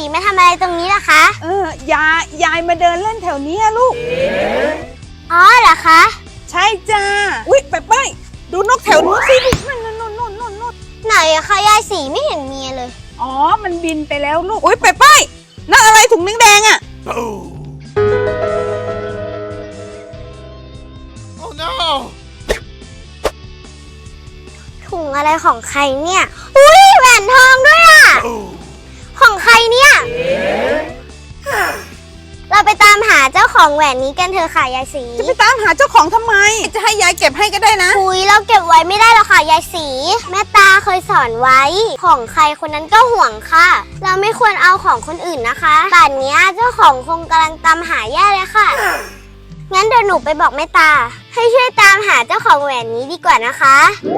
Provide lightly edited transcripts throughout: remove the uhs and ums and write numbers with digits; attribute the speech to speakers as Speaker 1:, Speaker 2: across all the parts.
Speaker 1: มาทำอะไรตรงนี้ล่ะคะ
Speaker 2: ยายมาเดินเล่นแถวนี้ลูก
Speaker 1: อ๋อเหรอคะ
Speaker 2: ใช่จ้าอุ๊ยไปดูนกแถวนู้นสิลูกนั่น
Speaker 1: ไหนอะคะยายสีไม่เห็นมีเลย
Speaker 2: อ๋อมันบินไปแล้วลูกอุ๊ยไปนั่นอะไรถุงแดงๆอ่ะ
Speaker 3: Oh no
Speaker 1: ถุงอะไรของใครเนี่ยอุ้ยแหวนทองด้วยอ่ะของใครเนี่ยเราไปตามหาเจ้าของแหวนนี้กันเถอะค่ะยายสี
Speaker 2: จะไปตามหาเจ้าของทำไมจะให้ยายเก็บให้ก็ได้นะ
Speaker 1: คุยเราเก็บไว้ไม่ได้หรอกค่ะยายสีแม่ตาเคยสอนไว้ของใครคนนั้นก็ห่วงค่ะเราไม่ควรเอาของคนอื่นนะคะป่านนี้เจ้าของคงกำลังตามหาแย่เลยค่ะงั้นเดี๋ยวหนูไปบอกแม่ตาให้ช่วยตามหาเจ้าของแหวนนี้ดีกว่านะคะ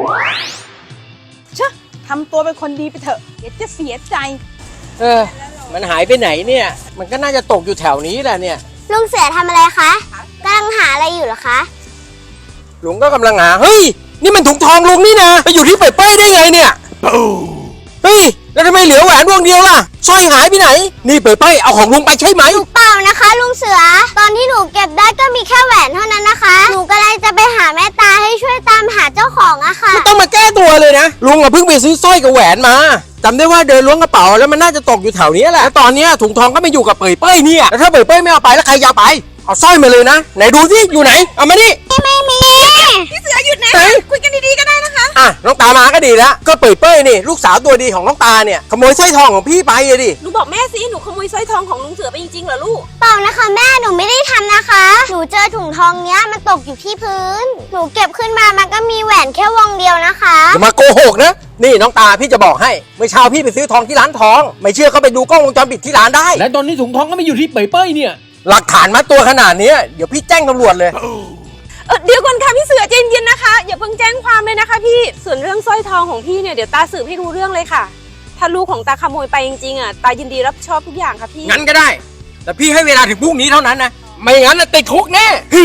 Speaker 2: ทำตัวเป็นคนดีไปเถอะเดี๋ยวจะเสียใจ
Speaker 4: มันหายไปไหนเนี่ยมันก็น่าจะตกอยู่แถวนี้แหละเนี่ย
Speaker 1: ลุงเสือทำอะไรคะกำลังหาอะไรอยู่เหรอคะ
Speaker 4: ลุงก็กำลังหาเฮ้ยนี่มันถุงทองลุงนี่นะไปอยู่ที่เป้ยได้ไงเนี่ยเฮ้ยแล้วทำไมเหลือแหวนดวงเดียวล่ะสร้อยหายไปไหนนี่เป้ยเอาของลุงไปใช่ไหม
Speaker 1: เปล่านะคะลุงเสือตอนที่หนูเก็บได้ก็มีแค่แหวนเท่านั้นนะคะหนูก็เลยจะไปหาแม่ตาให้ช่วยตามหาเจ้าของอะค่ะ
Speaker 4: ไม่ต้องมาแก้ตัวเลยนะลุงเพิ่งไปซื้อสร้อยกับแหวนมาจำได้ว่าเดินล้วงกระเป๋าแล้วมันน่าจะตกอยู่แถวนี้แหละแล้วตอนนี้ถุงทองก็ไม่อยู่กับเป้ยเนี่ยแล้วถ้าเป้ยไม่เอาไปแล้วใครจะเอาไปเอาสร้อยมาเลยนะไหนดูสิอยู่ไหนเอามานี่
Speaker 1: ไม่มี
Speaker 2: พี่เสือหยุดนะคุยกันดีๆก็ได้นะคะ
Speaker 4: น้องตามาก็ดีแล้วก็เป้ยนี่ลูกสาวตัวดีของน้องตาเนี่ยขโมยสร้อยทองของพี่ไปเลยดิ
Speaker 2: หนูบอกแม่สิหนูขโมยสร้อยทองของลุงเสือไปจริงๆเหรอลูก
Speaker 1: เปล่านะคะแม่หนูไม่ได้ทำนะคะหนูเจอถุงทองเนี้ยมันตกอยู่ที่พื้นหนูเก็บขึ้นมามันก็มีแหวนแค่วงเดียวนะคะ
Speaker 4: อย่ามาโกหกนะนี่น้องตาพี่จะบอกให้เมื่อเช้าพี่ไปซื้อทองที่ร้านทองไม่เชื่อก็ไปดูกล้องวงจรปิดที่ร้านได้
Speaker 5: และตอนนี้ถุงทองก็ไม่อยู่ที่เป้ยเนี่ย
Speaker 4: หลักฐานมัดตัวขนาดนี้เดี๋ยวพี่แจ้งตำรวจเลย
Speaker 2: เดี๋ยวก่อนค่ะพี่เสือใจเย็นๆนะคะอย่าเพิ่งแจ้งความเลยนะคะพี่ส่วนเรื่องสร้อยทองของพี่เนี่ยเดี๋ยวตาสืบให้รู้เรื่องเลยค่ะถ้าลูกของตาขโมยไปจริงๆอ่ะตายินดีรับผิดชอบทุกอย่างค่ะพี่
Speaker 4: งั้นก็ได้แต่พี่ให้เวลาถึงพรุ่งนี้เท่านั้นนะไม่งั้นติดคุกแน่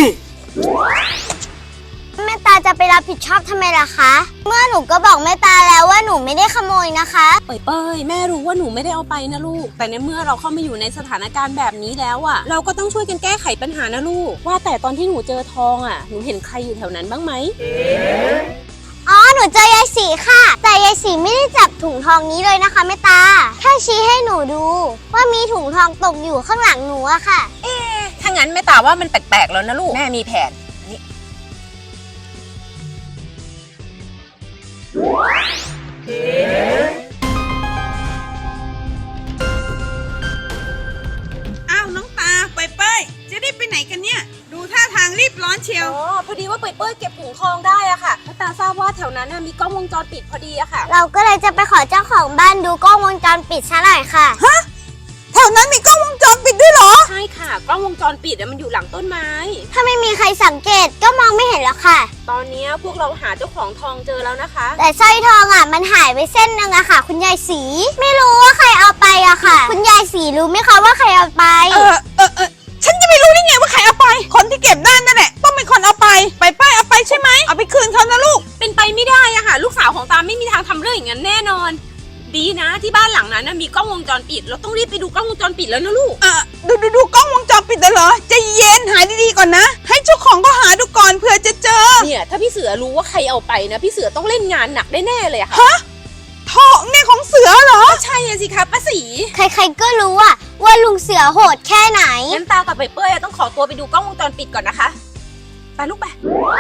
Speaker 1: แม่ตาจะไปรับผิดชอบทำไมล่ะคะเมื่อหนูก็บอกแม่ตาแล้วว่าหนูไม่ได้ขโมยนะคะ
Speaker 2: เป้ยแม่รู้ว่าหนูไม่ได้เอาไปนะลูกแต่ในเมื่อเราเข้ามาอยู่ในสถานการณ์แบบนี้แล้วอ่ะเราก็ต้องช่วยกันแก้ไขปัญหานะลูกว่าแต่ตอนที่หนูเจอทองอ่ะหนูเห็นใครอยู่แถวนั้นบ้างไหม
Speaker 1: อ๋อหนูเจอยายสีค่ะแต่ยายสีไม่ได้จับถุงทองนี้เลยนะคะแม่ตาแค่ชี้ให้หนูดูว่ามีถุงทองตกอยู่ข้างหลังหนูอะค่ะ
Speaker 2: ถ้างั้นแม่ตาว่ามันแปลกๆแล้วนะลูกแม่มีแผนอ้าวน้องตาเป้ยจะได้ไปไหนกันเนี่ยดูท่าทางรีบร้อนเชียวพอดีว่าเป้ยเก็บถุงทองได้อะค่ะตาทราบว่าแถวนั้นมีกล้องวงจรปิดพอดีอะค่ะ
Speaker 1: เราก็เลยจะไปขอเจ้าของบ้านดูกล้องวงจรปิดซะหน่อยค่ะ
Speaker 2: ฮะแถวนั้นมีกล้องวงจรปิดด้วยเหรอใช่ค่ะกล้องวงจรปิดมันอยู่หลังต้นไม้
Speaker 1: ถ้าไม่มีใครสังเกตก็มองไม่เห็นหรอกค่ะ
Speaker 2: ตอนนี้พวกเราหาเจ้าของทองเจอแล้วนะคะ
Speaker 1: แต่สร้อยทองมันหายไปเส้นนึงอะค่ะคุณยายสีไม่รู้ว่าใครเอาไปอะค่ะคุณยายสีรู้ไหมคะว่าใครเอาไป
Speaker 2: ฉันจะไม่รู้ได้ไงว่าใครเอาไปคนที่เก็บได้นั่นแหละต้องเป็นคนเอาไปเอาไปใช่ไหมเอาไปคืนเขานะลูกเป็นไปไม่ได้อะค่ะลูกสาวของตาไม่มีทางทำเรื่องอย่างนั้นแน่นอนดีนะที่บ้านหลังนั้นมีกล้องวงจรปิดเราต้องรีบไปดูกล้องวงจรปิดแล้วนะลูกดูกล้องวงจรปิดเหรอใจเย็นหาดีๆก่อนนะให้เจ้าของก็หาดูก่อนเผื่อจะเจอเนี่ยถ้าพี่เสือรู้ว่าใครเอาไปนะพี่เสือต้องเล่นงานหนักแน่ๆเลยอะค่ะฮะทองเนี่ยของเสือเหรอใช่สิคะป้าสี
Speaker 1: ใครๆก็รู้ว่าลุงเสือโหดแค่ไหน
Speaker 2: งั้นตากับเป้ยต้องขอตัวไปดูกล้องวงจรปิดก่อนนะคะไปลูกไป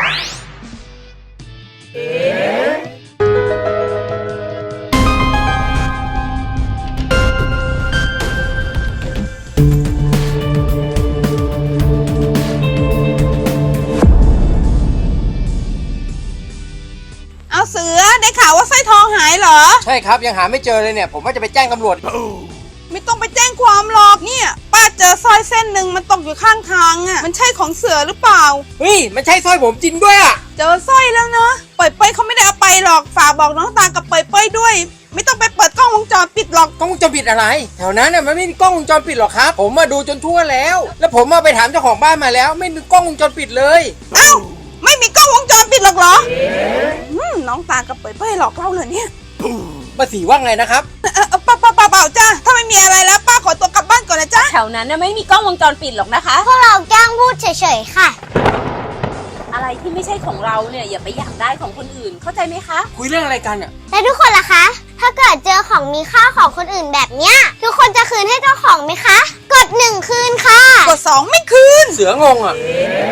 Speaker 2: เสือได้ข่าวว่าสร้อยทองหายเหรอ
Speaker 4: ใช่ครับยังหาไม่เจอเลยเนี่ยผมว่าจะไปแจ้งตำรวจ
Speaker 2: ไม่ต้องไปแจ้งความหรอกเนี่ยป้าเจอสร้อยเส้นหนึ่งมันตกอยู่ข้างทางมันใช่ของเสือหรือเปล่า
Speaker 4: เฮ้ยมันใช่สร้อยผมจริงด้วย
Speaker 2: เจอสร้อยแล้วนะเป้ยเขาไม่ได้เอาไปหรอกฝากบอกน้องตากับเป้ยด้วยไม่ต้องไปเปิดกล้องวงจรปิดหรอก
Speaker 4: กล้องวงจรปิดอะไรแถวนั้นมันไม่มีกล้องวงจรปิดหรอกครับผมมาดูจนทั่วแล้วผมมาไปถามเจ้าของบ้านมาแล้วไม่มีกล้องวงจรปิดเลย
Speaker 2: เอ้าไม่มีกล้องวงจรปิดหรอกเหรอน้องตากับเป้ยหลอกเราเลยเนี่ย
Speaker 4: ป้าสีว่าไงนะครับ
Speaker 2: เปล่าจ้าถ้าไม่มีอะไรแล้วป้าขอตัวถวนั้นน่ะไม่มีกล้องวงจรปิดหรอกนะคะ
Speaker 1: พวกเราแกล้งพูดเฉยๆค่ะ
Speaker 2: อะไรที่ไม่ใช่ของเราเนี่ยอย่าไปอยากได้ของคนอื่นเข้าใจไหมคะ
Speaker 4: คุยเรื่องอะไรกันอ่ะ
Speaker 1: แล้วทุกคนล่ะคะ ถ้าเกิดเจอของมีค่าของคนอื่นแบบเนี้ย ทุกคนจะคืนให้เจ้าของไหมคะ กด 1 คืนค่ะ
Speaker 2: กด2ไม่คืน
Speaker 4: เสืองงอ่ะ